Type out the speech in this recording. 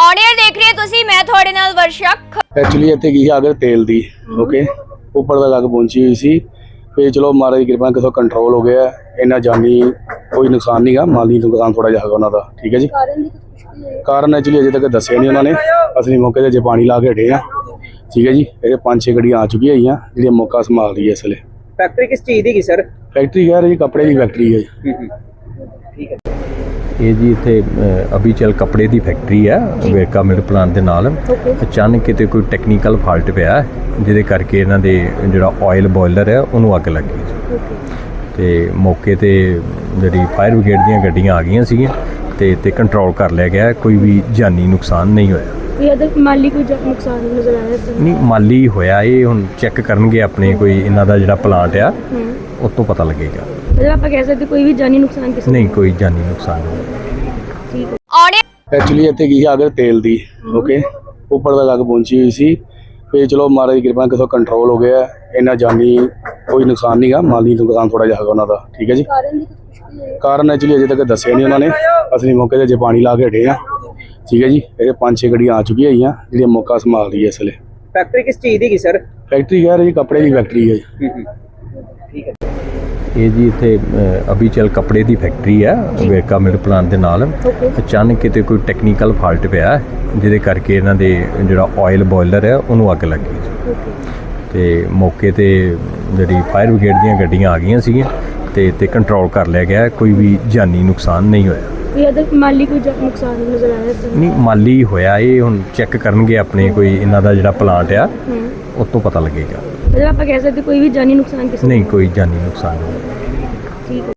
On air देख रहे तुसी मैं थोड़े नाल वर्षा। एक्चुअली ਇੱਥੇ ਕੀ ਅਗਰ ਤੇਲ ਦੀ ਓਕੇ ਉੱਪਰ ਤੱਕ ਅੱਗ ਪਹੁੰਚੀ ਹੋਈ ਸੀ ਤੇ ਚਲੋ ਮਹਾਰਾਜ ਦੀ ਕਿਰਪਾ ਨਾਲ ਕਿਥੋਂ ਕੰਟਰੋਲ ਹੋ ਗਿਆ ਇੰਨਾ ਜਾਨੀ ਕੋਈ ਨੁਕਸਾਨ ਨਹੀਂਗਾ ਮਾਲੀ ਨੁਕਸਾਨ ਥੋੜਾ ਜਿਹਾ ਹੈਗਾ ਉਹਨਾਂ ਦਾ ਠੀਕ ਹੈ ਜੀ ਕਾਰਨ ਐਕਚੁਅਲੀ ਅਜੇ ਤੱਕ ਦੱਸਿਆ ਨਹੀਂ ਉਹਨਾਂ ਨੇ ਅਸੀਂ ਮੌਕੇ ਤੇ ਜੇ ਪਾਣੀ ਲਾ ਕੇ ਹਟੇ ਆ ਠੀਕ ਹੈ ਜੀ ਇਹ 5-6 ਗੱਡੀਆਂ ਆ ਚੁੱਕੀਆਂ ਹੈਗੀਆਂ ਜਿਹੜੀਆਂ ਮੌਕਾ ਸੰਭਾਲ ਰਹੀ ਹੈ ਇਸ ਵੇਲੇ फैक्ट्री किस चीज़ की सर? फैक्ट्री कह रही कपड़े की फैक्ट्री है ठीक है ਇਹ ਜੀ ਇੱਥੇ ਅਬੀਚਲ ਕੱਪੜੇ ਦੀ ਫੈਕਟਰੀ ਹੈ ਵੇਰਕਾ ਮਿਲ ਪਲਾਂਟ ਦੇ ਨਾਲ ਅਚਾਨਕ ਕਿਤੇ ਕੋਈ ਟੈਕਨੀਕਲ ਫਾਲਟ ਪਿਆ ਜਿਹਦੇ ਕਰਕੇ ਇਹਨਾਂ ਦੇ ਜਿਹੜਾ ਆਇਲ ਬੋਇਲਰ ਹੈ ਉਹਨੂੰ ਅੱਗ ਲੱਗ ਗਈ ਤੇ ਮੌਕੇ ਤੇ ਜਿਹੜੀ ਫਾਇਰ ਬ੍ਰਿਗੇਡ ਦੀਆਂ ਗੱਡੀਆਂ ਆ ਗਈਆਂ ਸੀਗੀਆਂ ਤੇ ਕੰਟਰੋਲ ਕਰ ਲਿਆ ਗਿਆ ਕੋਈ ਵੀ ਜਾਨੀ ਨੁਕਸਾਨ ਨਹੀਂ ਹੋਇਆ ਮਾਲੀ ਕੋਈ ਨੁਕਸਾਨ ਨਜ਼ਰ ਆਇਆ ਨਹੀਂ ਮਾਲੀ ਹੋਇਆ ਇਹ ਹੁਣ ਚੈੱਕ ਕਰਨਗੇ ਆਪਣੇ ਕੋਈ ਇਹਨਾਂ ਦਾ ਜਿਹੜਾ ਪਲਾਂਟ ਆ ਉਸ ਤੋਂ ਪਤਾ ਲੱਗੇਗਾ मतलब आप कह सकते कोई भी जानी नुकसान किसी ਨਹੀਂ ਕੋਈ ਜਾਨੀ ਨੁਕਸਾਨ ਨਹੀਂ ऑन एयर ਐਕਚੁਅਲੀ ਇੱਥੇ ਕੀ ਅਗਰ ਤੇਲ ਦੀ ਓਕੇ ਉੱਪਰ ਤੱਕ ਅੱਗ ਪਹੁੰਚੀ ਹੋਈ ਸੀ ਤੇ ਚਲੋ ਮਹਾਰਾਜ ਦੀ ਕਿਰਪਾ ਨਾਲ ਕਿਥੋਂ ਕੰਟਰੋਲ ਹੋ ਗਿਆ ਇੰਨਾ ਜਾਨੀ ਕੋਈ ਨੁਕਸਾਨ ਨਹੀਂਗਾ ਮਾਲੀ ਨੁਕਸਾਨ ਥੋੜਾ ਜਿਹਾ ਹੈਗਾ ਉਹਨਾਂ ਦਾ ਠੀਕ ਹੈ ਜੀ ਕਾਰਨ ਐਕਚੁਅਲੀ ਅਜੇ ਤੱਕ ਦੱਸਿਆ ਨਹੀਂ ਉਹਨਾਂ ਨੇ ਅਸੀਂ ਮੌਕੇ ਤੇ ਜੇ ਪਾਣੀ ਲਾ ਕੇ ਹਟੇ ਆ ਠੀਕ ਹੈ ਜੀ ਇਹ 5-6 ਗੱਡੀਆਂ ਆ ਚੁੱਕੀਆਂ ਹੈਗੀਆਂ ਜਿਹੜੀਆਂ ਮੌਕਾ ਸੰਭਾਲ ਰਹੀ ਹੈ ਇਸ ਵੇਲੇ फैक्ट्री किस चीज़ की सर? ਫੈਕਟਰੀ ਕਹਿ ਰਹੀ ਕੱਪੜੇ ਦੀ ਫੈਕਟਰੀ ਹੈ ਜੀ ठीक है ਇਹ ਜੀ ਇੱਥੇ ਅਬੀਚਲ ਕੱਪੜੇ ਦੀ ਫੈਕਟਰੀ ਹੈ ਵੇਰਕਾ ਮਿਲ ਪਲਾਂਟ ਦੇ ਨਾਲ ਅਚਾਨਕ ਕਿਤੇ ਕੋਈ ਟੈਕਨੀਕਲ ਫਾਲਟ ਪਿਆ ਜਿਹਦੇ ਕਰਕੇ ਇਹਨਾਂ ਦੇ ਜਿਹੜਾ ਆਇਲ ਬੋਇਲਰ ਹੈ ਉਹਨੂੰ ਅੱਗ ਲੱਗ ਗਈ ਤੇ ਮੌਕੇ ਤੇ ਜਿਹੜੀ ਫਾਇਰ ਬ੍ਰਿਗੇਡ ਦੀਆਂ ਗੱਡੀਆਂ ਆ ਗਈਆਂ ਸੀਗੀਆਂ ਤੇ ਕੰਟਰੋਲ ਕਰ ਲਿਆ ਗਿਆ ਕੋਈ ਵੀ ਜਾਨੀ ਨੁਕਸਾਨ ਨਹੀਂ ਹੋਇਆ माली कोई नुकसान नजर आया ਨਹੀਂ ਮਾਲੀ ਹੋਇਆ ਇਹ ਹੁਣ ਚੈੱਕ ਕਰਨਗੇ ਆਪਣੇ ਕੋਈ ਇਹਨਾਂ ਦਾ ਜਿਹੜਾ ਪਲਾਂਟ ਆ ਉਸ ਤੋਂ ਪਤਾ ਲੱਗੇਗਾ मतलब आप कह सकते कोई भी जानी नुकसान किसी ਨਹੀਂ ਕੋਈ ਜਾਨੀ ਨੁਕਸਾਨ ਨਹੀਂ ठीक है